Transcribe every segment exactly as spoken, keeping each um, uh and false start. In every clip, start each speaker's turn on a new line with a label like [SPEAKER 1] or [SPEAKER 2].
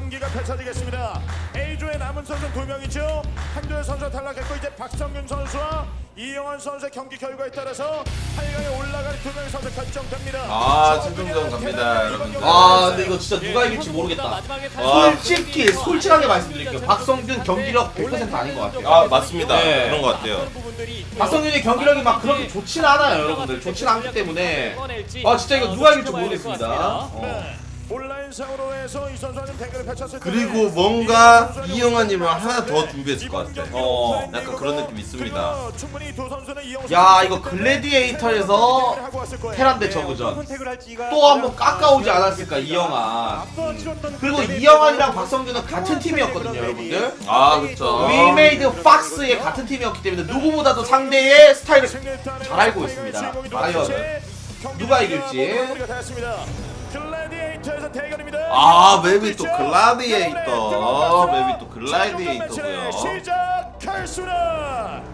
[SPEAKER 1] 경기가 펼쳐지겠습니다. A조의 남은 선수는 두 명이죠. 한두열 선수가 탈락했고 이제 박성균 선수와 이영환 선수의 경기 결과에 따라서 팔 강에 올라갈 두 명의 선수 결정됩니다.
[SPEAKER 2] 아, 최종전 갑니다, 여러분들.
[SPEAKER 3] 아 근데 이거 진짜 누가 이길지 모르겠다. 솔직히 솔직하게 말씀드릴게요. 박성균 경기력 백 퍼센트 아닌 것 같아요.
[SPEAKER 2] 아, 맞습니다.
[SPEAKER 3] 네.
[SPEAKER 2] 그런 것 같아요.
[SPEAKER 3] 박성균이 경기력이 막 그렇게 좋진 않아요, 여러분들. 좋진 않기 때문에 아 진짜 이거 누가 이길지 모르겠습니다. 어.
[SPEAKER 1] 네. 온라인상으로 해서 이 선수는 대결을 펼쳤을 때
[SPEAKER 2] 그리고 뭔가 이영환님을 하나 더 준비했을 것 같아.
[SPEAKER 3] 어,
[SPEAKER 2] 약간 그런 느낌 있습니다.
[SPEAKER 3] 야 이거 글래디에이터에서 테란 대 저그전 또 한번 깎아오지 않았을까 이영환. 그리고 이영환이랑 박성균은 같은 팀이었거든요, 여러분들.
[SPEAKER 2] 아, 그쵸.
[SPEAKER 3] 위메이드 박스의 같은 팀이었기 때문에 누구보다도 상대의 스타일을 잘 알고 있습니다. 과연 누가 이길지.
[SPEAKER 1] 글래디에이터에서 대결입니다.
[SPEAKER 2] 아, 맵이 또 글라디에이터. 맵이 또 글라디에이터고요.
[SPEAKER 1] 시작하겠습니다.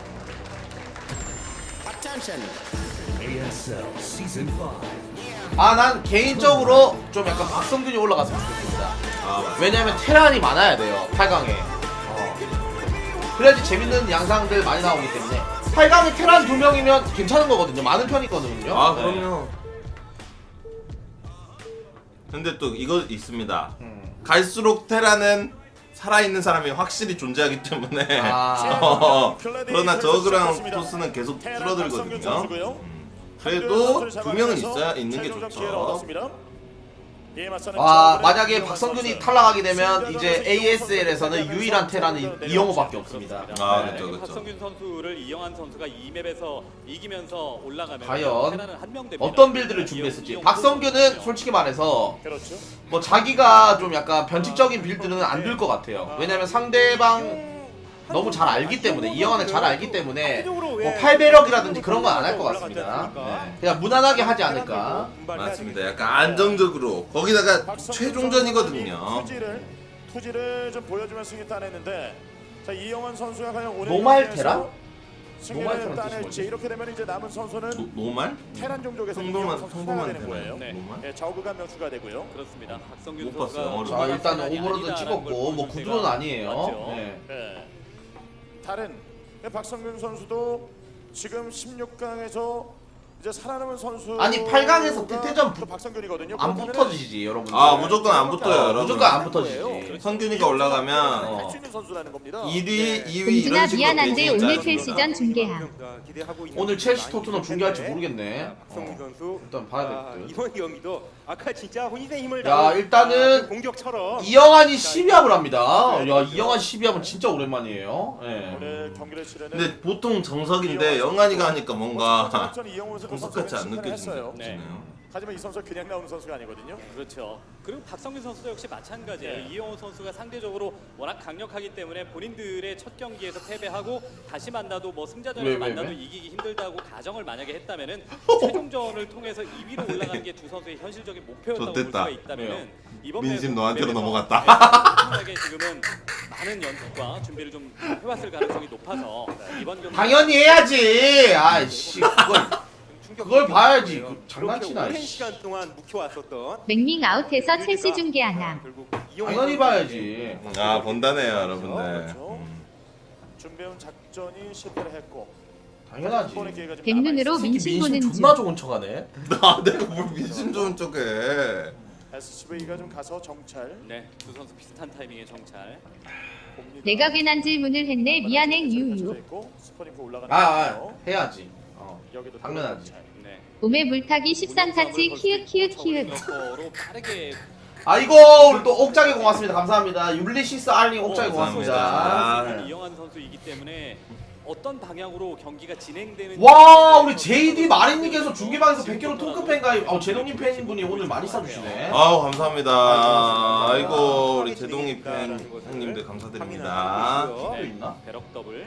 [SPEAKER 3] 아 난 개인적으로 좀 약간 박성균이 올라갔으면 좋겠습니다.
[SPEAKER 2] 아, 맞습니다.
[SPEAKER 3] 왜냐면 테란이 많아야 돼요, 팔 강에. 어. 그래야지 재밌는 양상들 많이 나오기 때문에. 팔 강에 테란 두 명이면 괜찮은 거거든요. 많은 편이거든요.
[SPEAKER 2] 아,
[SPEAKER 3] 네.
[SPEAKER 2] 그럼요. 근데 또 이거 있습니다.
[SPEAKER 3] 음.
[SPEAKER 2] 갈수록 테라는 살아있는 사람이 확실히 존재하기 때문에
[SPEAKER 3] 아.
[SPEAKER 2] 어, 그러나 저그랑 토스는 계속 줄어들거든요. 음. 그래도 두 명은 있어야 있는 게 좋죠.
[SPEAKER 3] 아 만약에 박성균이 탈락하게 되면 이제 에이에스엘에서는 유일한 테란은 이영호밖에 없습니다.
[SPEAKER 2] 아,
[SPEAKER 3] 네.
[SPEAKER 2] 그쵸, 그쵸.
[SPEAKER 4] 박성균 선수를 이영환 선수가 이 맵에서 이기면서 올라가면
[SPEAKER 3] 과연
[SPEAKER 4] 테란은 한명 됩니다.
[SPEAKER 3] 어떤 빌드를 준비했을지.
[SPEAKER 4] 이영호
[SPEAKER 3] 박성균은
[SPEAKER 4] 선수는요.
[SPEAKER 3] 솔직히 말해서
[SPEAKER 1] 그렇죠.
[SPEAKER 3] 뭐 자기가 좀 약간 변칙적인 빌드는 안 들 것 같아요. 왜냐면 상대방 너무 잘 알기 때문에, 이영환을 잘 알기 때문에 뭐 팔배력이라든지 그런 건 안 할 것 같습니다. 네. 그냥 무난하게 하지 않을까.
[SPEAKER 2] 맞습니다. 약간 안정적으로 거기다가 최종전이거든요.
[SPEAKER 1] 투지를 투지를 좀 보여주면 승리 따냈는데 자 이영환 선수가 과연 오늘
[SPEAKER 3] 노말
[SPEAKER 1] 경기에서
[SPEAKER 3] 테란? 노말
[SPEAKER 1] 승리를
[SPEAKER 3] 테란 뜻이
[SPEAKER 1] 따낼지
[SPEAKER 3] 뭐지?
[SPEAKER 1] 이렇게 되면 이제 남은 선수는
[SPEAKER 2] 노, 노말?
[SPEAKER 1] 테란 종족에서 이영환
[SPEAKER 2] 평범한
[SPEAKER 1] 선수가
[SPEAKER 2] 평범한
[SPEAKER 1] 되는 거예요.
[SPEAKER 2] 테란.
[SPEAKER 4] 네.
[SPEAKER 2] 노말?
[SPEAKER 1] 예, 저그가 한 명 추가되고요.
[SPEAKER 4] 그렇습니다. 박성균
[SPEAKER 2] 못 봤어요.
[SPEAKER 4] 선수가
[SPEAKER 2] 어려워.
[SPEAKER 3] 자 일단
[SPEAKER 4] 테란이
[SPEAKER 3] 오버로드
[SPEAKER 4] 아니다라는
[SPEAKER 3] 찍었고
[SPEAKER 4] 걸
[SPEAKER 3] 뭐
[SPEAKER 4] 보여줄
[SPEAKER 3] 구두는
[SPEAKER 4] 때가
[SPEAKER 3] 아니에요.
[SPEAKER 4] 맞죠.
[SPEAKER 3] 네.
[SPEAKER 1] 예. 다른 박성균 선수도 지금 십육 강에서 이제 살아남은 선수
[SPEAKER 3] 아니, 팔 강에서 태태전 부-
[SPEAKER 1] 박성균이거든요.
[SPEAKER 3] 안
[SPEAKER 1] 그렇다면은
[SPEAKER 3] 붙어지지 여러분들.
[SPEAKER 2] 아, 무조건 안 붙어요,
[SPEAKER 3] 어,
[SPEAKER 2] 여러분.
[SPEAKER 3] 무조건 안 붙어지지.
[SPEAKER 2] 성균이가 올라가면
[SPEAKER 1] 할 수 있는 선수라는 겁니다.
[SPEAKER 2] 일 위, 이 위
[SPEAKER 5] 공준아
[SPEAKER 2] 이런 식으로
[SPEAKER 5] 미안한데
[SPEAKER 2] 되지
[SPEAKER 5] 오늘
[SPEAKER 2] 않습니다.
[SPEAKER 5] 첼시전 중계함.
[SPEAKER 3] 오늘 첼시 토트넘 중계할지 모르겠네.
[SPEAKER 6] 박성균 선수
[SPEAKER 3] 일단 봐야
[SPEAKER 6] 아,
[SPEAKER 3] 될 듯.
[SPEAKER 6] 이번 경기도 아까 진짜 혼신의 힘을
[SPEAKER 3] 야,
[SPEAKER 6] 다한,
[SPEAKER 3] 일단은
[SPEAKER 6] 아, 그 공격처럼
[SPEAKER 3] 이영환이 십이 합을 합니다. 야 이영환 십이 합은 진짜 오랜만이에요. 예.
[SPEAKER 1] 오늘 경기를 치르는
[SPEAKER 2] 근데 보통 정석인데 영환이가 하니까 뭔가
[SPEAKER 1] 이영호 선수
[SPEAKER 2] 정석같이 안 느껴지네요.
[SPEAKER 4] 네.
[SPEAKER 1] 하지만 이 선수 그냥 나오는 선수가 아니거든요.
[SPEAKER 4] 그렇죠. 그리고 박성균 선수도 역시 마찬가지예요.
[SPEAKER 1] 네.
[SPEAKER 4] 이영호 선수가 상대적으로 워낙 강력하기 때문에 본인들의 첫 경기에서 패배하고 다시 만나도 뭐 승자전에서
[SPEAKER 3] 왜, 왜,
[SPEAKER 4] 만나도
[SPEAKER 3] 왜?
[SPEAKER 4] 이기기 힘들다고 가정을 만약에 했다면은 최종전을 통해서 이 위로 올라가는 게 두 선수의 현실적인 목표였다고 볼
[SPEAKER 2] 좋댔다.
[SPEAKER 4] 수가 있다면은 이번
[SPEAKER 2] 민심
[SPEAKER 4] 맵-
[SPEAKER 2] 너한테로
[SPEAKER 4] 맵에서
[SPEAKER 2] 넘어갔다.
[SPEAKER 4] 충분하게 지금은 많은 연습과 준비를 좀 해왔을 가능성이 높아서 이번 경기
[SPEAKER 3] 당연히 해야지. 아이씨 그걸 그걸 봐야지. 그 장난치나.
[SPEAKER 6] 오랜
[SPEAKER 3] 씨.
[SPEAKER 6] 시간 동안 묵혀왔었던
[SPEAKER 5] 맥밍 아웃해서 첼시 중계함.
[SPEAKER 6] 결국 이영호
[SPEAKER 3] 당연히 봐야지.
[SPEAKER 2] 아, 본다네요, 여러분들.
[SPEAKER 1] 그렇죠.
[SPEAKER 2] 음.
[SPEAKER 1] 준비해온 작전이 실패를 했고
[SPEAKER 3] 당연하지.
[SPEAKER 1] 한 번의 기회가 좀
[SPEAKER 5] 백눈으로
[SPEAKER 1] 남아있습니다.
[SPEAKER 5] 민심 보는 중.
[SPEAKER 3] 존나 좋은 척하네.
[SPEAKER 2] 나 내가 뭘 민심 좋은 쪽에.
[SPEAKER 1] 에스씨브이가 좀 가서 정찰.
[SPEAKER 4] 네, 두 선수 비슷한 타이밍의 정찰.
[SPEAKER 1] 봅니다.
[SPEAKER 5] 내가 괜한 질문을 했네. 미안해 유유.
[SPEAKER 1] 스포닝크 올라가는
[SPEAKER 3] 아, 아
[SPEAKER 1] 거고요.
[SPEAKER 3] 해야지. 어.
[SPEAKER 1] 여기도
[SPEAKER 3] 당연하지.
[SPEAKER 1] 정찰.
[SPEAKER 4] 네.
[SPEAKER 5] 몸에 물타기 십삼 타치 키읔 키읔 키읔.
[SPEAKER 4] 로 빠르게
[SPEAKER 3] 아이고 우리 또 옥장에 고맙습니다. 감사합니다. 율리시스 알링 옥장에
[SPEAKER 4] 어,
[SPEAKER 3] 고맙습니다.
[SPEAKER 2] 감사합니다.
[SPEAKER 4] 이영환 선수이기 때문에 어떤 방향으로 경기가 진행되는
[SPEAKER 3] 와 우리 제이디 마린님께서 중계방에서 백 킬로 통크팬 가입. 어 제동님 팬분이 오늘 많이 싸주시네.
[SPEAKER 2] 아우, 감사합니다. 아이고, 우리 제동이 팬 형님들 감사드립니다.
[SPEAKER 3] 또
[SPEAKER 4] 네,
[SPEAKER 3] 있나?
[SPEAKER 4] 배럭 더블.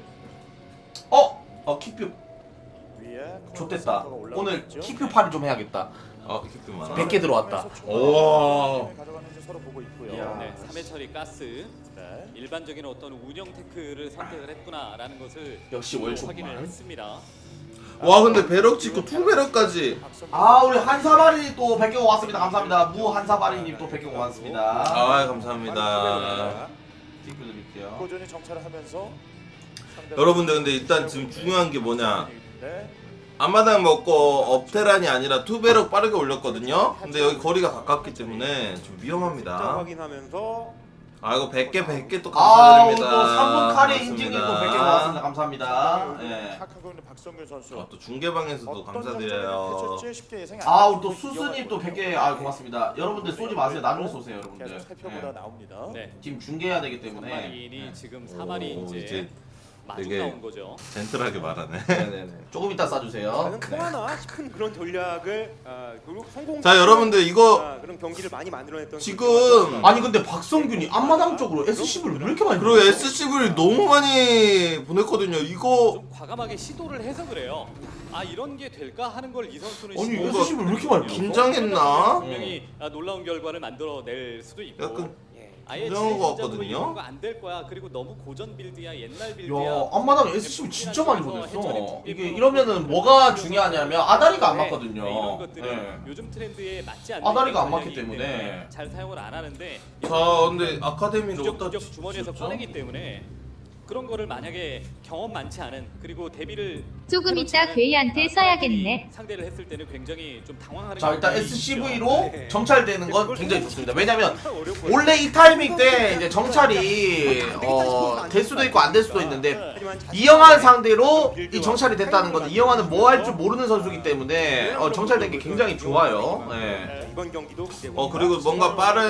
[SPEAKER 3] 어? 어 키표
[SPEAKER 1] 위에
[SPEAKER 3] 좋댔다.
[SPEAKER 1] 커버 올라가고
[SPEAKER 3] 오늘
[SPEAKER 1] 있죠.
[SPEAKER 3] 키표 팔이 좀 해야겠다.
[SPEAKER 2] 어, 이렇게 많아.
[SPEAKER 3] 백 개 들어왔다.
[SPEAKER 2] 오.
[SPEAKER 1] 가져가는지 서로 보고 있고요.
[SPEAKER 3] 이야.
[SPEAKER 4] 네, 삼 회 처리 가스.
[SPEAKER 1] 네.
[SPEAKER 4] 일반적인 어떤 운영 테크를 선택을 했구나라는 것을
[SPEAKER 3] 역시
[SPEAKER 4] 또
[SPEAKER 3] 월초만.
[SPEAKER 4] 확인을 했습니다.
[SPEAKER 2] 와 근데 배럭 찍고 투 배럭까지.
[SPEAKER 3] 아 우리 한사바리 또 백 개 고맙습니다. 감사합니다. 무 한사바리님 또 백 개 고맙습니다.
[SPEAKER 2] 아 감사합니다.
[SPEAKER 3] 띵크 드릴게요.
[SPEAKER 1] 꾸준히 정찰을 하면서
[SPEAKER 2] 여러분들 근데 일단 지금 중요한 게 뭐냐,
[SPEAKER 1] 네.
[SPEAKER 2] 앞마당 먹고 업테란이 아니라 투 배럭 빠르게 올렸거든요. 근데 여기 거리가 가깝기 때문에 좀
[SPEAKER 6] 숫자
[SPEAKER 2] 위험합니다.
[SPEAKER 6] 확인하면서
[SPEAKER 2] 아 이거 백 개 백 개 또
[SPEAKER 3] 아 오늘
[SPEAKER 2] 감사드립니다.
[SPEAKER 3] 또 삼 분 카레
[SPEAKER 2] 고맙습니다.
[SPEAKER 3] 인증님 또 백 개 고맙습니다. 감사합니다. 예.
[SPEAKER 1] 하고 있는 박성균 선수.
[SPEAKER 2] 아, 또 중계방에서도 감사드려요.
[SPEAKER 1] 쉽게 예상이
[SPEAKER 3] 아
[SPEAKER 1] 안
[SPEAKER 3] 우리 또 수스님 또 백 개 아 고맙습니다. 여러분들 쏘지 마세요. 나중에 쏘세요 여러분들.
[SPEAKER 1] 계속 살펴보다
[SPEAKER 3] 예.
[SPEAKER 1] 나옵니다.
[SPEAKER 4] 네.
[SPEAKER 3] 지금 중계해야 되기 때문에.
[SPEAKER 4] 마린이 지금 사마리
[SPEAKER 2] 오,
[SPEAKER 4] 이제,
[SPEAKER 2] 이제
[SPEAKER 4] 마중
[SPEAKER 2] 되게
[SPEAKER 4] 나온 거죠.
[SPEAKER 2] 젠틀하게 말하네.
[SPEAKER 3] 네네네. 조금 이따 쏴주세요.
[SPEAKER 6] 나는 통하나 싶은 그런 전략을 아, 그리고 성공.
[SPEAKER 2] 자 여러분들 이거
[SPEAKER 6] 아, 그런 경기를 많이 만들어냈던
[SPEAKER 2] 지금
[SPEAKER 3] 아니 근데 박성균이 앞마당 쪽으로 에스십을 왜 이렇게 많이
[SPEAKER 2] 그리고
[SPEAKER 3] 보냈어?
[SPEAKER 2] 에스씨브이를 너무 많이 보냈거든요. 이거
[SPEAKER 4] 좀 과감하게 시도를 해서 그래요. 아 이런 게 될까 하는 걸 이 선수는
[SPEAKER 3] 아니,
[SPEAKER 4] 시도를
[SPEAKER 3] 에스십을 왜 이렇게 많이
[SPEAKER 4] 했거든요.
[SPEAKER 2] 긴장했나?
[SPEAKER 4] 분명히 아, 놀라운 결과를 만들어낼 수도 있고.
[SPEAKER 2] 약간
[SPEAKER 6] 예.
[SPEAKER 4] 아예
[SPEAKER 2] 긴장한 것
[SPEAKER 4] 진행자적으로
[SPEAKER 2] 같거든요.
[SPEAKER 4] 이런 거 안 될 거야. 그리고 너무 고전 빌드야, 옛날 빌드야.
[SPEAKER 3] 야 앞마당 에스십을 진짜 많이 보냈어. 이게 이러면은 뭐가 중요하냐면 아다리가 안 맞거든요.
[SPEAKER 4] 네, 이런 것들이
[SPEAKER 3] 예.
[SPEAKER 4] 요즘 트렌드에 맞지 않는
[SPEAKER 3] 아다리가 안 맞기
[SPEAKER 4] 전략이기
[SPEAKER 3] 때문에.
[SPEAKER 4] 잘 사용을 안 하는데
[SPEAKER 2] 자 근데 아카데미를 어디다
[SPEAKER 4] 부적부적 주머니에서
[SPEAKER 2] 쳤죠?
[SPEAKER 4] 꺼내기 때문에 그런 거를 만약에 경험 많지 않은 그리고 데뷔를
[SPEAKER 5] 조금
[SPEAKER 4] 해놓지
[SPEAKER 5] 이따
[SPEAKER 4] 않은
[SPEAKER 5] 괴이한테
[SPEAKER 4] 사람들이
[SPEAKER 5] 써야겠네.
[SPEAKER 4] 상대를 했을 때는 굉장히 좀 당황하는
[SPEAKER 3] 자 일단
[SPEAKER 4] 경우가
[SPEAKER 3] 에스씨브이로
[SPEAKER 6] 네.
[SPEAKER 3] 정찰되는 건 굉장히 좋습니다. 왜냐면
[SPEAKER 6] 어렵고
[SPEAKER 3] 원래 이 타이밍 때 이제 정찰이 어, 될 수도 있고 안 될 수도 있는데 이영환 상대로 이 정찰이 됐다는 건 이영환은 뭐 할 줄 모르는 선수기 때문에 어, 정찰된 게 굉장히 좋아요. 네.
[SPEAKER 6] 이번 경기도 기대.
[SPEAKER 2] 어 그리고 뭔가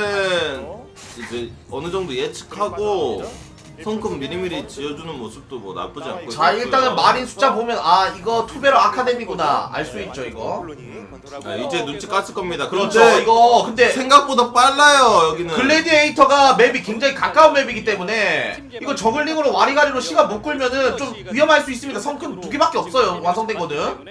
[SPEAKER 2] 빠른 이제 어느 정도 예측하고 성큼 미리미리 지어주는 모습도 뭐 나쁘지 않고.
[SPEAKER 3] 자 일단은 마린 숫자 보면 아 이거 투베러 아카데미구나 알 수 있죠 이거.
[SPEAKER 2] 네, 이제 눈치 깠을 겁니다.
[SPEAKER 3] 그렇죠
[SPEAKER 2] 그런데
[SPEAKER 3] 이거 근데
[SPEAKER 2] 생각보다 빨라요 여기는.
[SPEAKER 3] 글래디에이터가 맵이 굉장히 가까운 맵이기 때문에 이거 저글링으로 와리가리로 시간 못 끌면은 좀 위험할 수 있습니다. 성큰 두 개밖에 없어요 완성되거든.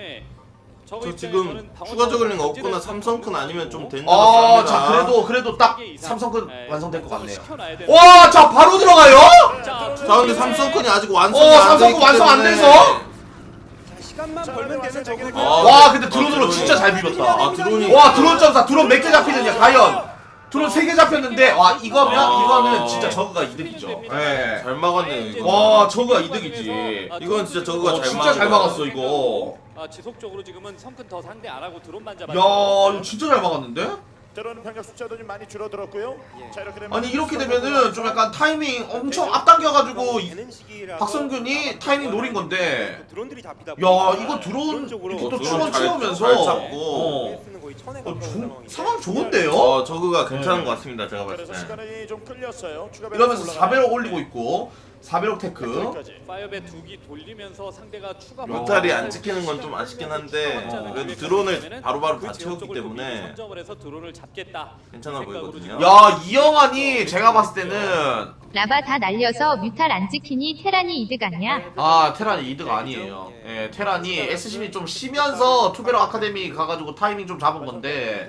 [SPEAKER 2] 저 지금 추가 저글링 없거나 삼성큰 아니면 좀 된다.
[SPEAKER 3] 아, 자 그래도 그래도 딱 삼성큰 완성될 것 같네요. 와, 자 바로 들어가요?
[SPEAKER 4] 자,
[SPEAKER 2] 자 근데 삼성큰이 아직 완성이
[SPEAKER 3] 어,
[SPEAKER 2] 안
[SPEAKER 3] 삼성큰
[SPEAKER 2] 됐기
[SPEAKER 3] 완성 안
[SPEAKER 2] 때문에.
[SPEAKER 3] 돼서?
[SPEAKER 6] 시간만 벌면 되는 저거.
[SPEAKER 2] 아,
[SPEAKER 3] 와, 근데 드론으로
[SPEAKER 2] 드론이-
[SPEAKER 3] 진짜 잘 비볐다.
[SPEAKER 2] 아 드론이.
[SPEAKER 3] 와, 드론 점사 드론 몇 개 잡히느냐 과연? 드론 세 개 잡혔는데 와 이거면 이거는 진짜 저그가 이득이죠. 예.
[SPEAKER 2] 잘 막았네요 이거.
[SPEAKER 3] 와, 저거가 이득이지.
[SPEAKER 2] 이건 진짜 저거가
[SPEAKER 3] 어,
[SPEAKER 2] 잘
[SPEAKER 3] 진짜 잘
[SPEAKER 2] 막은
[SPEAKER 3] 막았어 이거.
[SPEAKER 4] 아, 지속적으로 지금은 성큰 더 상대 안 하고 드론만 잡아.
[SPEAKER 3] 야, 이거 진짜 잘 막았는데?
[SPEAKER 1] 때로는 병력 숫자도 좀 많이 줄어들었고요. 자 이렇게 되면
[SPEAKER 3] 아니 이렇게 되면은 좀 약간 타이밍 엄청 앞당겨가지고 이-
[SPEAKER 6] 되는 시기라서
[SPEAKER 3] 박성균이 타이밍 노린 건데.
[SPEAKER 6] 드론들이 잡히다.
[SPEAKER 3] 야
[SPEAKER 6] 보니까
[SPEAKER 3] 이거 드론
[SPEAKER 6] 쪽으로
[SPEAKER 3] 이렇게 또
[SPEAKER 2] 드론
[SPEAKER 3] 추원
[SPEAKER 2] 잘-
[SPEAKER 3] 채우면서
[SPEAKER 2] 잘 잡고.
[SPEAKER 3] 어,
[SPEAKER 6] 쓰는 거의 천에
[SPEAKER 3] 어,
[SPEAKER 6] 가까운
[SPEAKER 3] 조,
[SPEAKER 6] 상황인데.
[SPEAKER 3] 상황 좋은데요?
[SPEAKER 2] 어 저그가 괜찮은 것 같습니다 제가 봤을
[SPEAKER 1] 그래서
[SPEAKER 2] 때.
[SPEAKER 1] 시간이 좀 끌렸어요. 추가
[SPEAKER 3] 이러면서 사 배럭 올리고 있고 사 배럭 테크.
[SPEAKER 4] 파이어배 두기 돌리면서 상대가 추가
[SPEAKER 2] 뮤탈이 안 찍히는 건 좀 아쉽긴 한데
[SPEAKER 3] 어,
[SPEAKER 2] 그래도 드론을 바로바로
[SPEAKER 4] 그
[SPEAKER 2] 다
[SPEAKER 4] 지역
[SPEAKER 2] 채웠기
[SPEAKER 4] 쪽을
[SPEAKER 2] 때문에
[SPEAKER 4] 선점을 해서 드론을 잡겠다.
[SPEAKER 2] 괜찮아
[SPEAKER 4] 그 생각으로
[SPEAKER 2] 보이거든요.
[SPEAKER 4] 지금
[SPEAKER 3] 야 이영환이 제가 봤을 때는
[SPEAKER 5] 라바 다 날려서 뮤탈 안 지키니 테란이 이득 아냐?
[SPEAKER 3] 아 테란이 이득 아니에요. 예, 테란이 에스십이 좀 쉬면서 투베럭 아카데미 가가지고 타이밍 좀 잡은 건데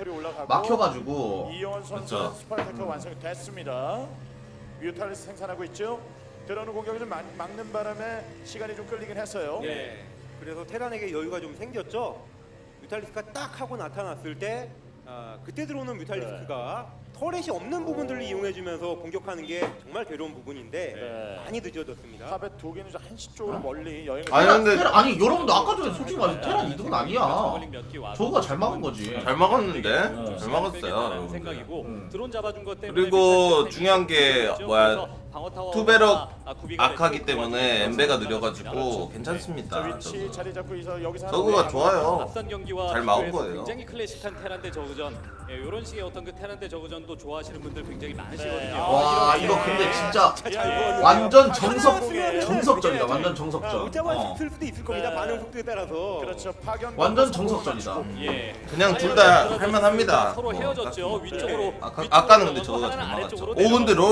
[SPEAKER 3] 막혀가지고.
[SPEAKER 1] 이영원 선수
[SPEAKER 2] 그렇죠.
[SPEAKER 1] 스파이터가 완성이 됐습니다. 뮤탈을 생산하고 있죠. 들어오는 공격을 좀 막- 막는 바람에 시간이 좀 끌리긴 했어요.
[SPEAKER 6] 예. 그래서 테란에게 여유가 좀 생겼죠. 뮤탈리스크가 딱 하고 나타났을 때 아, 그때 들어오는 뮤탈리스크가 터렛이 없는 부분들을 이용해주면서 공격하는 게 정말 괴로운 부분인데
[SPEAKER 1] 네.
[SPEAKER 6] 많이 늦어졌습니다.
[SPEAKER 1] 탑의 두 개는 좀 한시 쪽으로 멀리 여행을
[SPEAKER 2] 아니,
[SPEAKER 3] 테란,
[SPEAKER 2] 근데-
[SPEAKER 3] 테란, 아니 여러분들 아까 전에 솔직히 말해서 테란 이득은 아니야.
[SPEAKER 4] 저글링 몇개 와서
[SPEAKER 3] 저거가 잘 막은 거지.
[SPEAKER 2] 잘 막았는데
[SPEAKER 3] 어.
[SPEAKER 2] 잘 막았어요.
[SPEAKER 4] 라는
[SPEAKER 2] 여러분들.
[SPEAKER 4] 생각이고
[SPEAKER 3] 음.
[SPEAKER 4] 드론 잡아준 것 때문에
[SPEAKER 2] 그리고
[SPEAKER 4] 뮤탈
[SPEAKER 2] 중요한 게
[SPEAKER 4] 타이밍이
[SPEAKER 2] 뭐야,
[SPEAKER 4] 그래서 방어 타워가
[SPEAKER 2] 투베럭
[SPEAKER 4] 아, 구비가
[SPEAKER 2] 악하기
[SPEAKER 4] 됐고
[SPEAKER 2] 때문에 엠베가 느려가지고
[SPEAKER 4] 그렇죠.
[SPEAKER 1] 자,
[SPEAKER 2] 괜찮습니다.
[SPEAKER 1] 위치
[SPEAKER 2] 저거.
[SPEAKER 1] 자리 잡고 있어 여기서
[SPEAKER 2] 저거가
[SPEAKER 1] 하는
[SPEAKER 2] 좋아요.
[SPEAKER 4] 앞선 경기와
[SPEAKER 2] 잘 막은
[SPEAKER 4] 비교해서
[SPEAKER 2] 거예요.
[SPEAKER 4] 굉장히 클래식한 테란대 저그전 예, 이런 식의 어떤 그 테란대 저그전도 좋아하시는 분들 굉장히 많으시거든요.
[SPEAKER 1] 네.
[SPEAKER 3] 와
[SPEAKER 1] 이렇게.
[SPEAKER 3] 이거 근데 진짜
[SPEAKER 1] 예.
[SPEAKER 3] 완전 정석
[SPEAKER 6] 하나였으면은
[SPEAKER 3] 정석전이다.
[SPEAKER 6] 그냥
[SPEAKER 3] 완전
[SPEAKER 6] 아,
[SPEAKER 3] 정석전.
[SPEAKER 6] 웃자마자
[SPEAKER 3] 어.
[SPEAKER 6] 쓸 수도 있을 겁니다.
[SPEAKER 1] 네.
[SPEAKER 6] 반응 속도에 따라서.
[SPEAKER 1] 그렇죠. 파견
[SPEAKER 3] 완전 정석전이다.
[SPEAKER 4] 예.
[SPEAKER 2] 그냥 둘 다 할만합니다.
[SPEAKER 4] 서로
[SPEAKER 2] 뭐,
[SPEAKER 4] 헤어졌죠.
[SPEAKER 2] 딱히.
[SPEAKER 4] 위쪽으로.
[SPEAKER 2] 아까-
[SPEAKER 4] 위쪽으로
[SPEAKER 2] 아까는 근데
[SPEAKER 4] 넘어가고
[SPEAKER 2] 저거가
[SPEAKER 4] 하나는
[SPEAKER 2] 잘
[SPEAKER 4] 아래쪽으로
[SPEAKER 2] 막았죠. 오, 근데
[SPEAKER 4] 내려가고.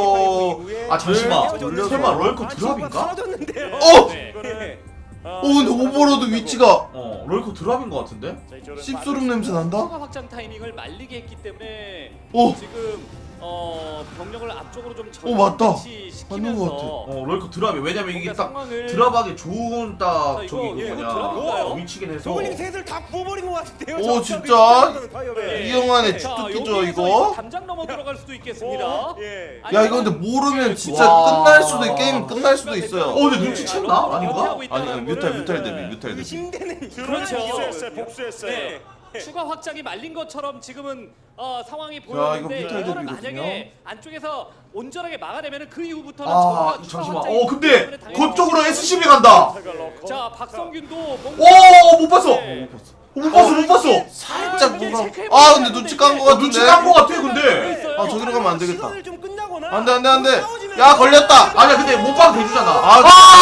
[SPEAKER 2] 럴거-
[SPEAKER 3] 아 잠시만.
[SPEAKER 6] 네.
[SPEAKER 3] 설마 럴코 드랍인가?
[SPEAKER 6] 사라졌는데요.
[SPEAKER 2] 어!
[SPEAKER 4] 네.
[SPEAKER 6] 예.
[SPEAKER 2] 오 근데 오버로드 위치가
[SPEAKER 3] 어 럴코 드랍인 것 같은데?
[SPEAKER 1] 자, 이쪽으로
[SPEAKER 2] 씹소름 냄새 난다?
[SPEAKER 4] 추가 확장 타이밍을 말리게 했기 때문에
[SPEAKER 2] 오!
[SPEAKER 4] 지금 어 병력을 앞쪽으로 좀
[SPEAKER 2] 오, 맞다. 맞는 것
[SPEAKER 4] 시키면서
[SPEAKER 2] 같아.
[SPEAKER 3] 어 럴커 드랍이 왜냐면 이게
[SPEAKER 4] 뭔가
[SPEAKER 3] 딱
[SPEAKER 4] 상황을
[SPEAKER 3] 드랍하기 좋은 딱
[SPEAKER 4] 자, 이거,
[SPEAKER 3] 저기
[SPEAKER 4] 예,
[SPEAKER 3] 그
[SPEAKER 4] 이거
[SPEAKER 3] 뭐냐
[SPEAKER 4] 드랍인가요?
[SPEAKER 3] 어, 위치긴 해서
[SPEAKER 6] 저글링 셋을 다 부어버린 것 같은데요.
[SPEAKER 2] 오,
[SPEAKER 6] 저-
[SPEAKER 2] 진짜?
[SPEAKER 6] 저- 파이어맨.
[SPEAKER 2] 이영환의
[SPEAKER 4] 자,
[SPEAKER 2] 주특기죠
[SPEAKER 4] 여기에서
[SPEAKER 2] 이거?
[SPEAKER 4] 담장 넘어 들어갈 수도 있겠습니다.
[SPEAKER 6] 오, 예.
[SPEAKER 2] 야 이거 근데 모르면 진짜
[SPEAKER 3] 와.
[SPEAKER 2] 끝날 수도 있 게임 끝날 수도 있어요.
[SPEAKER 3] 어, 근데 눈치챘나? 아닌가?
[SPEAKER 2] 아니 아니 뮤탈 뮤탈 대비 뮤탈 대비.
[SPEAKER 6] 의심되는
[SPEAKER 4] 그렇죠.
[SPEAKER 1] 복수했어요. 복수했어요.
[SPEAKER 4] 네. 추가 확장이 말린 것처럼 지금은 어, 상황이
[SPEAKER 2] 이거
[SPEAKER 4] 보였는데
[SPEAKER 2] 뮤탈
[SPEAKER 4] 이거를
[SPEAKER 2] 대비거든요.
[SPEAKER 4] 만약에 안쪽에서 온전하게 막아내면 그 이후부터는
[SPEAKER 3] 아
[SPEAKER 4] 저거가 추가
[SPEAKER 3] 잠시만
[SPEAKER 4] 확장이
[SPEAKER 3] 어 근데
[SPEAKER 4] 때문에 당연히
[SPEAKER 3] 그쪽으로 에스씨비 간다
[SPEAKER 4] 자 박성균도 뭔가
[SPEAKER 3] 오못 봤어
[SPEAKER 4] 네.
[SPEAKER 3] 못 봤어 못 봤어
[SPEAKER 2] 살짝
[SPEAKER 4] 이게
[SPEAKER 2] 뭔가
[SPEAKER 4] 체크해보면
[SPEAKER 2] 아 근데 눈치 깐 거
[SPEAKER 3] 어, 눈치 깐
[SPEAKER 2] 같은데.
[SPEAKER 3] 거 같아 근데
[SPEAKER 4] 있어요.
[SPEAKER 2] 아 저기로 가면 안 되겠다.
[SPEAKER 6] 시간을 좀 끝나거나
[SPEAKER 2] 안돼 안돼 안돼.
[SPEAKER 6] 싸우지면
[SPEAKER 2] 야 걸렸다.
[SPEAKER 3] 아니야 근데 못방 대주잖아
[SPEAKER 2] 아,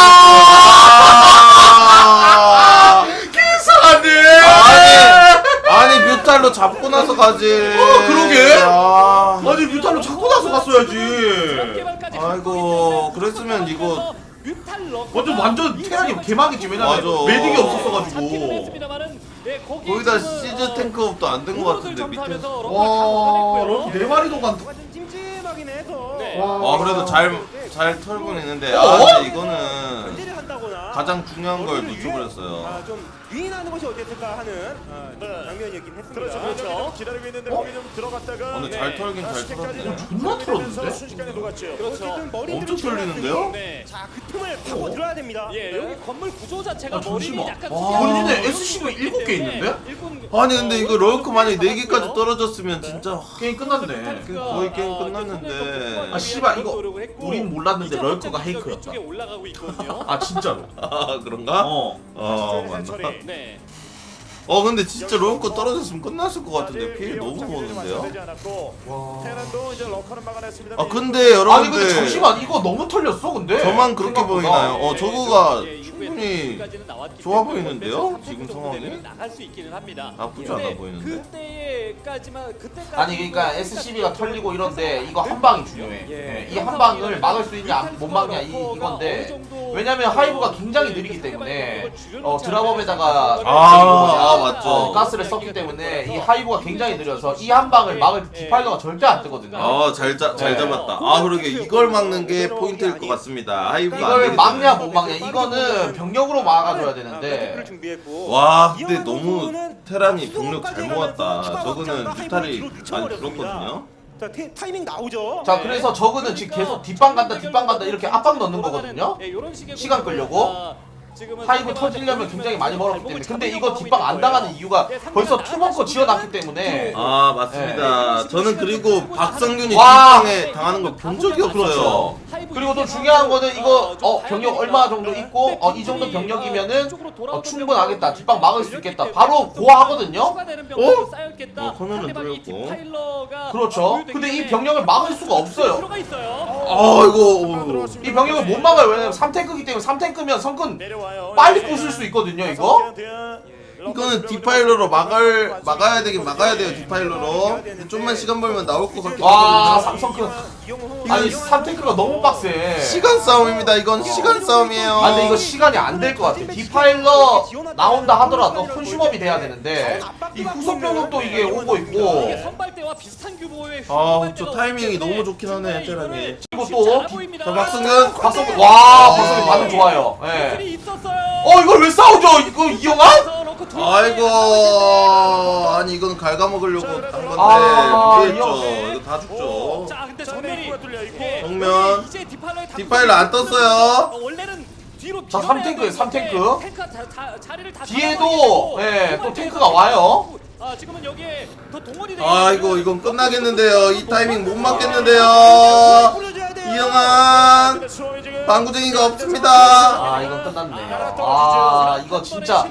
[SPEAKER 2] 아,
[SPEAKER 3] 이상하네
[SPEAKER 2] 아니 아니 뮤탈로 잡고 나서 가지.
[SPEAKER 3] 어, 그러게.
[SPEAKER 2] 아,
[SPEAKER 3] 아니 뮤탈로 잡고 나서 갔어야지
[SPEAKER 4] 개발까지
[SPEAKER 2] 아이고, 그랬으면 이거
[SPEAKER 3] 완전 완전 테란이 개망이지 왜냐면
[SPEAKER 2] 맞아.
[SPEAKER 3] 메딕이 없었어가지고
[SPEAKER 2] 거기다 시즈 탱크업도 안 된 거 같은데 밑에.
[SPEAKER 3] 와 럭키 네 마리도 간다
[SPEAKER 6] 뭔가 좀 찜찜하긴 해서
[SPEAKER 4] 네.
[SPEAKER 2] 아 그래도 잘 잘 털고 있는데
[SPEAKER 3] 어?
[SPEAKER 2] 아 근데 이거는
[SPEAKER 6] 견제를 한다거나
[SPEAKER 2] 가장 중요한 걸
[SPEAKER 6] 머리를
[SPEAKER 2] 놓쳐버렸어요.
[SPEAKER 6] 아, 좀 유인하는 것이 어땠을까 하는 아,
[SPEAKER 1] 네.
[SPEAKER 6] 장면이었긴 했습니다.
[SPEAKER 1] 그렇죠. 그렇죠. 기다리고 있는데 거기 좀 들어갔다가.
[SPEAKER 2] 어, 근데 잘 털긴 잘 털었네.
[SPEAKER 3] 존나 털었는데?
[SPEAKER 1] 순식간에 녹았죠.
[SPEAKER 4] 그렇죠.
[SPEAKER 6] 어쨌든 머리들을
[SPEAKER 2] 엄청 털리는데요?
[SPEAKER 6] 지나갔으니
[SPEAKER 4] 네.
[SPEAKER 6] 자, 그 틈을 파고 들어야 됩니다.
[SPEAKER 4] 예, 여기 건물 구조 자체가
[SPEAKER 3] 아, 잠시만.
[SPEAKER 4] 머리를 약간
[SPEAKER 3] 와,
[SPEAKER 4] 수비하는
[SPEAKER 3] 근데
[SPEAKER 4] 그런
[SPEAKER 3] 에스씨가
[SPEAKER 4] 구조이기
[SPEAKER 3] 일곱 개
[SPEAKER 4] 때문에
[SPEAKER 3] 있는데?
[SPEAKER 4] 일꾼,
[SPEAKER 2] 아니 근데 이거 럴크 만약에 네 개까지
[SPEAKER 4] 떨어졌고요.
[SPEAKER 2] 떨어졌으면 진짜
[SPEAKER 3] 게임 끝났네
[SPEAKER 2] 거의 게임 끝났는데.
[SPEAKER 3] 아, 씨발, 이거 우린 몰랐는데 럴커가 헤이크였다.
[SPEAKER 4] 위쪽에 올라가고 있거든요.
[SPEAKER 3] 아 진짜로
[SPEAKER 2] 아 그런가?
[SPEAKER 3] 어
[SPEAKER 2] 어 맞나?
[SPEAKER 1] 처리.
[SPEAKER 4] 네.
[SPEAKER 2] 어 근데 진짜 럴크 떨어졌으면 끝났을 것 같은데 피해 너무 먹었는데요?
[SPEAKER 1] 테란도 이제 러커는 막아냈습니다.
[SPEAKER 2] 아 근데
[SPEAKER 3] 아니 근데
[SPEAKER 2] 여러분들
[SPEAKER 3] 잠시만 이거 너무 털렸어 근데
[SPEAKER 2] 저만 그렇게
[SPEAKER 3] 생각보다.
[SPEAKER 2] 보이나요? 어 저거가
[SPEAKER 4] 예,
[SPEAKER 2] 충분히
[SPEAKER 4] 여기까지는 나왔기
[SPEAKER 2] 좋아
[SPEAKER 4] 때문에
[SPEAKER 2] 보이는데요?
[SPEAKER 4] 원래는
[SPEAKER 2] 지금
[SPEAKER 4] 삼
[SPEAKER 2] 상황이?
[SPEAKER 4] 정도 되면 나갈 수 있기는 합니다.
[SPEAKER 2] 나쁘지
[SPEAKER 4] 근데
[SPEAKER 2] 않아 보이는데?
[SPEAKER 4] 그때까지만 그때까지
[SPEAKER 3] 아니 그러니까 에스씨비가 털리고 이런데 이거 한 방이 중요해 예, 이 한 방을 막을 수 있냐 못 막냐 이, 이건데 왜냐면 하이브가 굉장히 느리기 때문에 어 드랍업에다가
[SPEAKER 2] 아, 아, 맞죠.
[SPEAKER 3] 어, 가스를 썼기 때문에 이 하이브가 굉장히 느려서 이 한 방을 막을 디파일러가 절대 안 뜨거든요
[SPEAKER 2] 아잘 잘 잡았다. 아 그러게 이걸 막는 게 포인트일 것 같습니다. 하이브가 안
[SPEAKER 3] 이걸
[SPEAKER 2] 되기
[SPEAKER 3] 막냐
[SPEAKER 2] 때문에.
[SPEAKER 3] 못 막냐 이거는 병력으로 막아줘야
[SPEAKER 6] 를
[SPEAKER 3] 되는데
[SPEAKER 6] 준비했고
[SPEAKER 2] 와 근데 너무 테란이 병력 잘 모았다. 저거는 뮤탈이 많이 줄었거든요.
[SPEAKER 6] 자, 테, 타이밍 나오죠.
[SPEAKER 3] 자 그래서 저거는 지금 계속 뒷방 간다 뒷방 간다 이렇게 압박 넣는 거거든요
[SPEAKER 4] 예, 요런 식의
[SPEAKER 3] 시간 끌려고.
[SPEAKER 4] 구조가 지금은
[SPEAKER 3] 하이브 터지려면 굉장히 많이 멀었기 때문에 근데 이거 뒷방 안 당하는 이유가 벌써 투벙커 지어놨기 때문에
[SPEAKER 2] 아 맞습니다. 저는 그리고 박성균이
[SPEAKER 3] 와.
[SPEAKER 2] 뒷방에 당하는 걸 본 적이 없어요.
[SPEAKER 3] 그렇죠. 그리고 또 중요한 거는 이거 어 병력 얼마 정도 있고 어 이 정도 병력이면은 어 충분하겠다 뒷방 막을 수 있겠다 바로 고하거든요
[SPEAKER 2] 어? 어, 코너는 뚫렸고.
[SPEAKER 3] 그렇죠 근데 이 병력을 막을 수가 없어요
[SPEAKER 4] 들어가 있어요.
[SPEAKER 2] 아이고
[SPEAKER 3] 이 병력을 못 막아요 왜냐면 삼 탱크기 때문에 삼 탱크면 성큰
[SPEAKER 1] 내려와요.
[SPEAKER 3] 빨리 부술 수 있거든요 이거
[SPEAKER 2] 이거는 디파일러로 막을 막아야 되긴 막아야 돼요 디파일러로. 좀만 시간 벌면 나올 것 같긴
[SPEAKER 3] 와
[SPEAKER 2] 하거든요.
[SPEAKER 3] 삼성크 아니 삼 탱크가 너무 빡세
[SPEAKER 2] 시간 싸움입니다. 이건 시간 싸움이에요.
[SPEAKER 3] 아 근데 이거 시간이 안 될 것 같아 디파일러 나온다 하더라도 콘슈머이 돼야 되는데 이 후속 병력도 이게 오고 있고
[SPEAKER 4] 이게 선발대와 비슷한 규모의
[SPEAKER 2] 아, 저 타이밍이 너무 좋긴 하네, 테란이.
[SPEAKER 3] 그리고 또
[SPEAKER 2] 자 박성균
[SPEAKER 3] 박성균 와 박성균 반응 좋아요 예.
[SPEAKER 4] 있었어요.
[SPEAKER 3] 어 이걸 왜 싸우죠 이거 이영환?
[SPEAKER 2] 아이고 아니 이건 갉아먹으려고 한 건데
[SPEAKER 3] 아,
[SPEAKER 2] 피했죠.
[SPEAKER 3] 이거-
[SPEAKER 2] 이거 다 죽죠.
[SPEAKER 4] 자, 근데
[SPEAKER 1] 자,
[SPEAKER 4] 정면이
[SPEAKER 1] 입구가 뚫려, 입구.
[SPEAKER 4] 예,
[SPEAKER 2] 정면.
[SPEAKER 4] 이제 디파일러의
[SPEAKER 2] 디파일러 안 떴어요.
[SPEAKER 4] 어, 원래는 뒤로
[SPEAKER 3] 자,
[SPEAKER 4] 밀어내야
[SPEAKER 3] 삼 탱크예요, 삼
[SPEAKER 4] 되는데
[SPEAKER 3] 탱크.
[SPEAKER 4] 탱크가 자, 자, 자리를 다
[SPEAKER 3] 뒤에도
[SPEAKER 4] 잡아버리고
[SPEAKER 3] 예,
[SPEAKER 4] 정말
[SPEAKER 3] 또 탱크가 와요
[SPEAKER 4] 아, 지금은 여기에 더 동원이 돼
[SPEAKER 2] 아이고 이건 끝나겠는데요. 이 타이밍 못 맞겠는데요. 이영환 방구쟁이가 없습니다.
[SPEAKER 3] 아 이건 끝났네 아 이거 진짜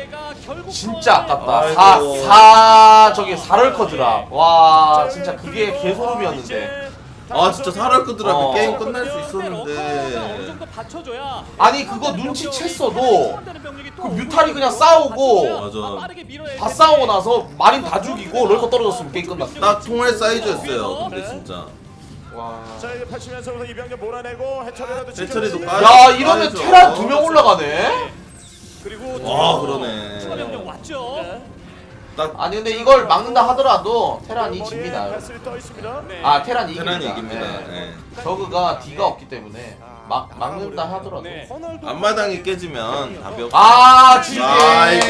[SPEAKER 3] 진짜 아깝다
[SPEAKER 2] 아이고.
[SPEAKER 3] 사, 사 저기 사럴커 드랍 와 진짜 그게 개소름이었는데
[SPEAKER 2] 아 진짜 살할 거더라.
[SPEAKER 3] 어.
[SPEAKER 2] 그 게임 끝날 수
[SPEAKER 4] 어느
[SPEAKER 2] 있었는데.
[SPEAKER 4] 정도 받쳐줘야
[SPEAKER 3] 아니 그거 눈치챘어도 그 뮤탈이 그냥 싸우고
[SPEAKER 2] 맞아.
[SPEAKER 3] 다 싸우고 나서 마린 다 죽이고 럴커 떨어졌으면 게임 끝났어
[SPEAKER 2] 딱 통할 사이즈였어요. 근데 진짜.
[SPEAKER 3] 와.
[SPEAKER 1] 자 이제 팔치면서 우선 이병렬 몰아내고 해처리라도
[SPEAKER 2] 해처리도
[SPEAKER 1] 지켜주지.
[SPEAKER 2] 까요.
[SPEAKER 3] 야 이러면
[SPEAKER 2] 아니죠.
[SPEAKER 3] 테란 두 명 올라가네
[SPEAKER 4] 그리고
[SPEAKER 2] 와, 그러네.
[SPEAKER 4] 추가 병력 왔죠.
[SPEAKER 2] 딱
[SPEAKER 3] 아니 근데 이걸 막는다 하더라도 테란이 집니다.
[SPEAKER 1] 패스를 떠 있습니다.
[SPEAKER 4] 네.
[SPEAKER 3] 아 테란이 이깁니다.
[SPEAKER 2] 테란이 이깁니다.
[SPEAKER 3] 네.
[SPEAKER 2] 네.
[SPEAKER 3] 저그가 D가 없기 때문에 막 막는다 하더라도.
[SPEAKER 4] 네.
[SPEAKER 6] 커널도
[SPEAKER 2] 앞마당이 깨지면 답이 없어.
[SPEAKER 3] 아 지지.
[SPEAKER 2] 아이고.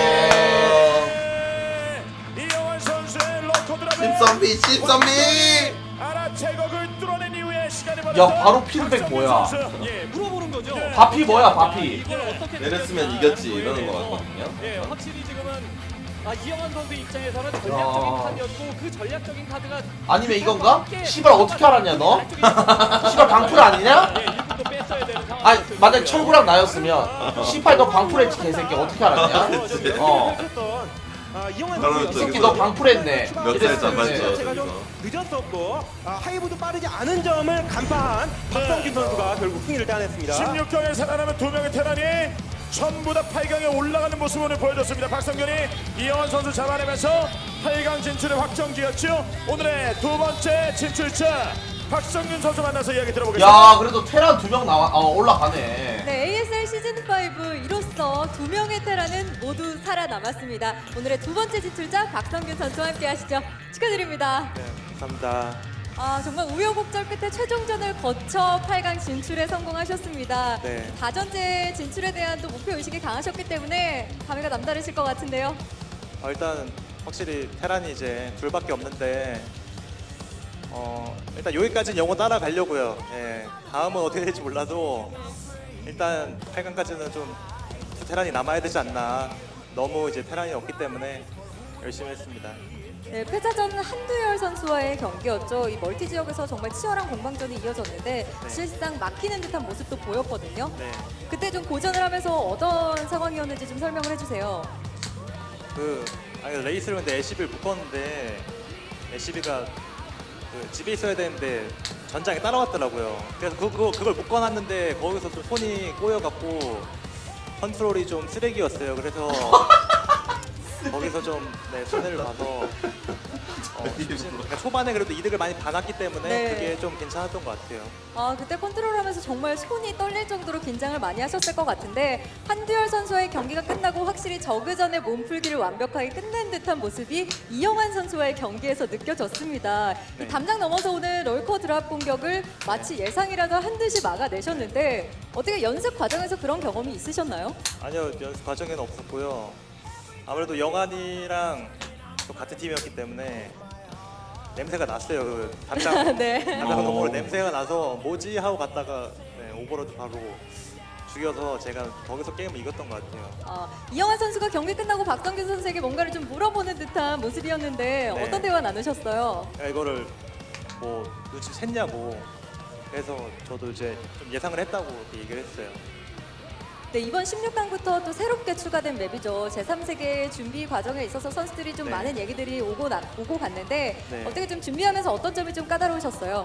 [SPEAKER 1] 이영환 선수의 러커 드랍.
[SPEAKER 2] 십선비 십선비.
[SPEAKER 1] 아라 제거를 뚫어낸 이후에 시간이
[SPEAKER 3] 야, 바로 피드백 뭐야?
[SPEAKER 4] 예, 물어보는 거죠.
[SPEAKER 3] 바피 뭐야 바피?
[SPEAKER 4] 이걸 어떻게
[SPEAKER 2] 내렸으면
[SPEAKER 4] 되느냐.
[SPEAKER 2] 이겼지 이러는 거 같거든요.
[SPEAKER 4] 예, 확실히 지금은 아, 이영환 선수 입장에서는 전략적인 카드였고 그 전략적인 카드가
[SPEAKER 3] 아니면 이건가? 씨발 어떻게 알았냐 너? 씨발 방풀 아니냐?
[SPEAKER 4] 예, 일꾼도 뺐어야 되는 상황.
[SPEAKER 3] 아니 만약 철구랑 나였으면 씨발 너 방풀했지 개새끼 어떻게 알았냐? 어.
[SPEAKER 6] 아, 이영환
[SPEAKER 2] 바로
[SPEAKER 6] 선수
[SPEAKER 2] 또
[SPEAKER 3] 새끼 너 방풀했네.
[SPEAKER 2] 몇
[SPEAKER 3] 이랬을
[SPEAKER 2] 살
[SPEAKER 3] 텐데.
[SPEAKER 2] 잡았죠.
[SPEAKER 6] 제가 좀 늦었었고 아, 하이브도 빠르지 않은 점을 간파한 박성균 선수가 결국 승리를 따냈습니다.
[SPEAKER 1] 십육 강에 살아남은 두 명의 테란이 전부 다 팔 강에 올라가는 모습을 오늘 보여줬습니다. 박성균이 이영환 선수 잡아내면서 팔 강 진출을 확정지었죠. 오늘의 두 번째 진출자 박성균 선수 만나서 이야기 들어보겠습니다.
[SPEAKER 3] 야 그래도 테란 두 명 나와 어, 올라가네.
[SPEAKER 7] 네, 에이에스엘 시즌 오 이로써 두 명의 테란은 모두 살아남았습니다. 오늘의 두 번째 진출자 박성균 선수와 함께 하시죠. 축하드립니다.
[SPEAKER 6] 네, 감사합니다.
[SPEAKER 7] 아, 정말 우여곡절 끝에 최종전을 거쳐 팔 강 진출에 성공하셨습니다.
[SPEAKER 6] 네.
[SPEAKER 7] 다전제 진출에 대한 또 목표 의식이 강하셨기 때문에 감회가 남다르실 것 같은데요.
[SPEAKER 8] 어, 일단 확실히 테란이 이제 둘밖에 없는데 어, 일단 여기까지는 영어 따라가려고요. 예, 다음은 어떻게 될지 몰라도 일단 팔 강까지는 좀 테란이 남아야 되지 않나. 너무 이제 테란이 없기 때문에 열심히 했습니다.
[SPEAKER 7] 네, 패자전 한두열 선수와의 경기였죠. 이 멀티 지역에서 정말 치열한 공방전이 이어졌는데
[SPEAKER 8] 네.
[SPEAKER 7] 사실상 막히는 듯한 모습도 보였거든요.
[SPEAKER 8] 네,
[SPEAKER 7] 그때 좀 고전을 하면서 어떤 상황이었는지 좀 설명을 해주세요.
[SPEAKER 8] 그 아니 레이스를 근데 애시비를 묶었는데 애시비가 그 집에 있어야 되는데 전장에 따라왔더라고요. 그래서 그, 그, 그걸 묶어놨는데 거기서 좀 손이 꼬여갖고 컨트롤이 좀 쓰레기였어요. 그래서 거기서 좀 네, 손해를 봐서 어, 그러니까 초반에 그래도 이득을 많이 받았기 때문에
[SPEAKER 7] 네.
[SPEAKER 8] 그게 좀 괜찮았던 것 같아요.
[SPEAKER 7] 아, 그때 컨트롤하면서 정말 손이 떨릴 정도로 긴장을 많이 하셨을 것 같은데 한두열 선수와의 경기가 끝나고 확실히 저그전의 몸풀기를 완벽하게 끝낸 듯한 모습이 이영환 선수와의 경기에서 느껴졌습니다.
[SPEAKER 8] 네.
[SPEAKER 7] 이 담장 넘어서 오는 롤커 드랍 공격을 마치 예상이라도 한 듯이 막아내셨는데 어떻게 연습 과정에서 그런 경험이 있으셨나요?
[SPEAKER 8] 아니요, 연습 과정에는 없었고요. 아무래도 영환이랑 또 같은 팀이었기 때문에 냄새가 났어요. 그 담장
[SPEAKER 7] 네.
[SPEAKER 8] 담장 너머로 냄새가 나서 뭐지 하고 갔다가 네, 오버로드 바로 죽여서 제가 거기서 게임을 이겼던 것 같아요.
[SPEAKER 7] 아, 이영환 선수가 경기 끝나고 박성균 선수에게 뭔가를 좀 물어보는 듯한 모습이었는데
[SPEAKER 8] 네.
[SPEAKER 7] 어떤 대화 나누셨어요?
[SPEAKER 8] 그러니까 이거를 뭐 눈치 챘냐고 그래서 저도 이제 좀 예상을 했다고 이렇게 얘기를 했어요.
[SPEAKER 7] 네, 이번 십육 강부터 또 새롭게 추가된 맵이죠. 제삼 세계 준비 과정에 있어서 선수들이 좀
[SPEAKER 8] 네.
[SPEAKER 7] 많은 얘기들이 오고 나, 오고 갔는데
[SPEAKER 8] 네.
[SPEAKER 7] 어떻게 좀 준비하면서 어떤 점이 좀 까다로우셨어요?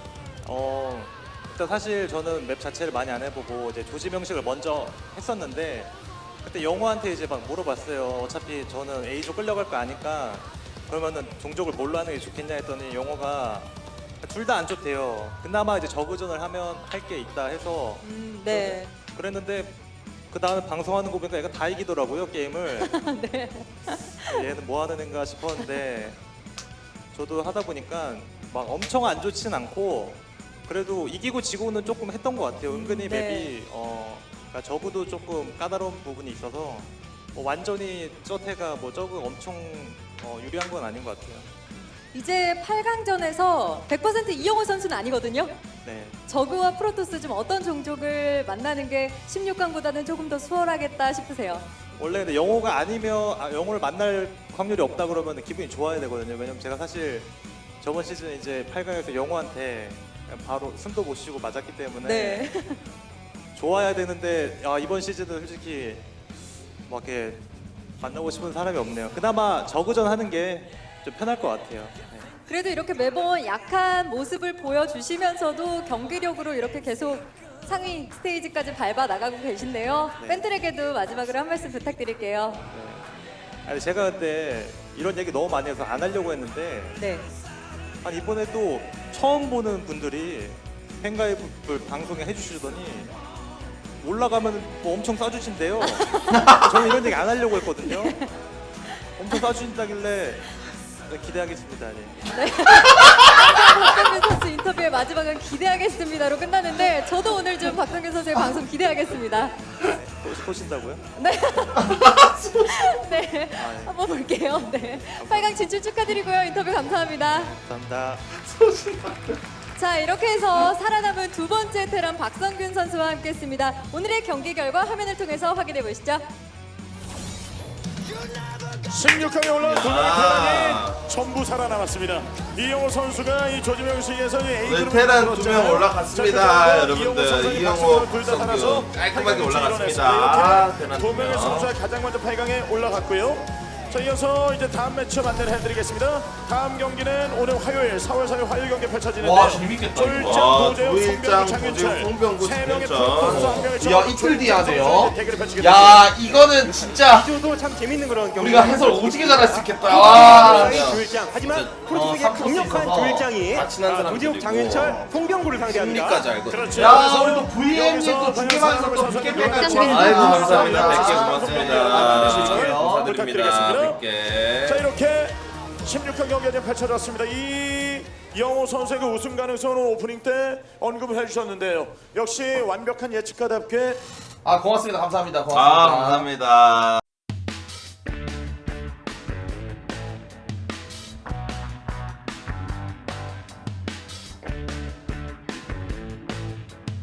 [SPEAKER 8] 어 일단 사실 저는 맵 자체를 많이 안 해보고 이제 조지 명식을 먼저 했었는데 그때 영호한테 이제 막 물어봤어요. 어차피 저는 A조 끌려갈 거 아니까 그러면은 종족을 뭘로 하는 게 좋겠냐 했더니 영호가 둘 다 안 좋대요. 그나마 이제 저그전을 하면 할 게 있다 해서
[SPEAKER 7] 음, 네.
[SPEAKER 8] 그랬는데 그 다음에 방송하는 거 보니까 얘가 다 이기더라고요 게임을.
[SPEAKER 7] 네.
[SPEAKER 8] 얘는 뭐 하는 애인가 싶었는데 저도 하다 보니까 막 엄청 안 좋진 않고 그래도 이기고 지고는 조금 했던 것 같아요. 은근히
[SPEAKER 7] 네.
[SPEAKER 8] 맵이 어 그러니까 저그도 조금 까다로운 부분이 있어서 뭐 완전히 저태가 뭐 저그 엄청 어, 유리한 건 아닌 것 같아요.
[SPEAKER 7] 이제 팔 강전에서 백 퍼센트 이영호 선수는 아니거든요.
[SPEAKER 8] 네.
[SPEAKER 7] 저그와 프로토스 좀 어떤 종족을 만나는 게 십육 강보다는 조금 더 수월하겠다 싶으세요?
[SPEAKER 8] 원래 근데 영호가 아니면 아, 영호를 만날 확률이 없다 그러면 기분이 좋아야 되거든요. 왜냐면 제가 사실 저번 시즌 이제 팔 강에서 영호한테 바로 숨도 못 쉬고 맞았기 때문에
[SPEAKER 7] 네.
[SPEAKER 8] 좋아야 되는데 아, 이번 시즌은 솔직히 막 이렇게 만나고 싶은 사람이 없네요. 그나마 저그전 하는 게 좀 편할 것 같아요. 네.
[SPEAKER 7] 그래도 이렇게 매번 약한 모습을 보여주시면서도 경기력으로 이렇게 계속 상위 스테이지까지 밟아 나가고 계신데요.
[SPEAKER 8] 네.
[SPEAKER 7] 팬들에게도 마지막으로 한 말씀 부탁드릴게요.
[SPEAKER 8] 네. 아니 제가 그때 이런 얘기 너무 많이 해서 안 하려고 했는데
[SPEAKER 7] 네.
[SPEAKER 8] 아니 이번에 또 처음 보는 분들이 팬가입을 방송에 해주시더니 올라가면 뭐 엄청 싸주신대요. 저는 이런 얘기 안 하려고 했거든요. 엄청 쏴주신다길래 네, 기대하겠습니다. 네.
[SPEAKER 7] 박성균 선수 인터뷰의 마지막은 기대하겠습니다로 끝나는데 저도 오늘 좀 박성균 선수의 방송 기대하겠습니다.
[SPEAKER 8] 또 쏘신다고요?
[SPEAKER 7] 네. 네. 한번 볼게요. 네. 팔 강 진출 축하드리고요. 인터뷰 감사합니다.
[SPEAKER 8] 감사합니다.
[SPEAKER 7] 자, 이렇게 해서 살아남은 두 번째 테란 박성균 선수와 함께했습니다. 오늘의 경기 결과 화면을 통해서 확인해 보시죠.
[SPEAKER 1] 십육 강에 올라온 두 명의 테란이 전부 살아남았습니다. 이영호 선수가 이 조지명 시기에서 A
[SPEAKER 2] 오늘
[SPEAKER 1] 그룹을
[SPEAKER 2] 테란
[SPEAKER 1] 만들었잖아요.
[SPEAKER 2] 두 명 올라갔습니다,
[SPEAKER 1] 자,
[SPEAKER 2] 여러분들.
[SPEAKER 1] 선수의
[SPEAKER 2] 이영호,
[SPEAKER 1] 박성균 둘다
[SPEAKER 2] 박성균
[SPEAKER 1] 살아서
[SPEAKER 2] 깔끔하게
[SPEAKER 1] 팔 강에
[SPEAKER 2] 올라갔습니다.
[SPEAKER 1] 진출했습니다. 이렇게
[SPEAKER 2] 테란
[SPEAKER 1] 두 명의
[SPEAKER 2] 두 명.
[SPEAKER 1] 선수가 가장 먼저 팔 강에 올라갔고요. 자, 이어서 이제 다음 매치업 안내를 해드리겠습니다. 다음 경기는 오늘 화요일 사월 사일 화요일 경기 펼쳐지는데요.
[SPEAKER 3] 와, 재밌겠다, 이거.
[SPEAKER 1] 조일장,
[SPEAKER 2] 와,
[SPEAKER 1] 도재욱,
[SPEAKER 2] 조일장,
[SPEAKER 1] 송병구,
[SPEAKER 2] 도재욱,
[SPEAKER 1] 장윤철
[SPEAKER 2] 송병구,
[SPEAKER 1] 세 명의
[SPEAKER 2] 장윤철.
[SPEAKER 1] 프로토스 한 명을
[SPEAKER 3] 야,
[SPEAKER 1] 잡고
[SPEAKER 3] 이틀 뒤에
[SPEAKER 1] 조일장
[SPEAKER 3] 하네요.
[SPEAKER 1] 선수의 대결을 펼치게
[SPEAKER 3] 야, 이거는 진짜
[SPEAKER 6] 저도 참 재밌는 그런 경기.
[SPEAKER 3] 우리가 해설 오지게 잘할 수 있겠다. 와.
[SPEAKER 6] 조일장. 하지만
[SPEAKER 2] 진짜,
[SPEAKER 6] 프로토스의
[SPEAKER 3] 어,
[SPEAKER 6] 강력한
[SPEAKER 3] 있어서
[SPEAKER 6] 조일장이
[SPEAKER 2] 다 친한
[SPEAKER 6] 아,
[SPEAKER 2] 사람들이고
[SPEAKER 6] 조지욱, 장윤철, 송병구를 상대합니다.
[SPEAKER 2] 승리까지 알거든요.
[SPEAKER 1] 그렇죠.
[SPEAKER 3] 야, 우리 또 브이엠이 또 중계방에서 또 백 개 백 개
[SPEAKER 5] 박성균
[SPEAKER 2] 아이고
[SPEAKER 5] 선수.
[SPEAKER 2] 감사합니다. 백 개
[SPEAKER 1] 감사합니다.
[SPEAKER 2] 고맙습니다. 감사드립니다. 백 개.
[SPEAKER 1] 자, 이렇게 십육 강 경기가 지금 펼쳐졌습니다. 이 영호 선수의 그 우승 가능성을 오프닝 때 언급을 해주셨는데요. 역시 완벽한 예측가답게
[SPEAKER 3] 아, 고맙습니다. 감사합니다.
[SPEAKER 2] 아
[SPEAKER 3] 고맙습니다.
[SPEAKER 2] 감사합니다.